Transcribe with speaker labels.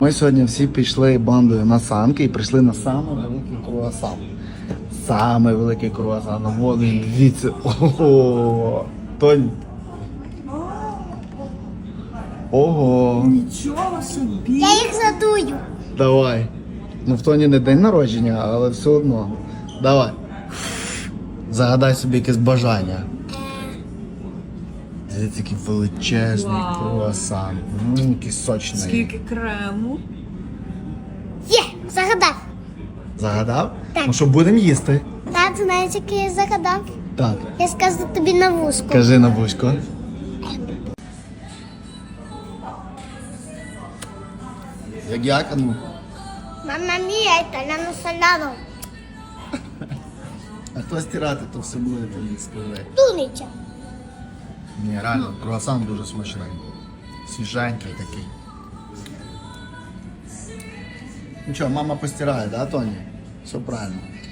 Speaker 1: Ми сьогодні всі пішли бандою на санки і прийшли на самий великий круасан. Самий великий круасан. Вон він, дивіться. Ого! Тонь. Ого!
Speaker 2: Нічого собі.
Speaker 3: Я їх задую.
Speaker 1: Давай. Ну в Тоні не день народження, але все одно. Давай. Загадай собі якесь бажання. Дивіться, який величезний
Speaker 2: Вау.
Speaker 1: круасан. Який сочний.
Speaker 2: Скільки крему.
Speaker 3: Є, загадав.
Speaker 1: Загадав?
Speaker 3: Так.
Speaker 1: Ну що, будемо їсти?
Speaker 3: Та, ти знаєш, який я загадав?
Speaker 1: Так.
Speaker 3: Я скажу тобі на вузку.
Speaker 1: Кажи на вузько. Як? А ну.
Speaker 3: Мама мія, італяно соляно.
Speaker 1: А хто стирати, то все буде тобі сказати.
Speaker 3: Тунича.
Speaker 1: Ні, реально, круасан дуже смачний. Свіженький такий. Нічого, мама постирає, да, Тоні? Все правильно.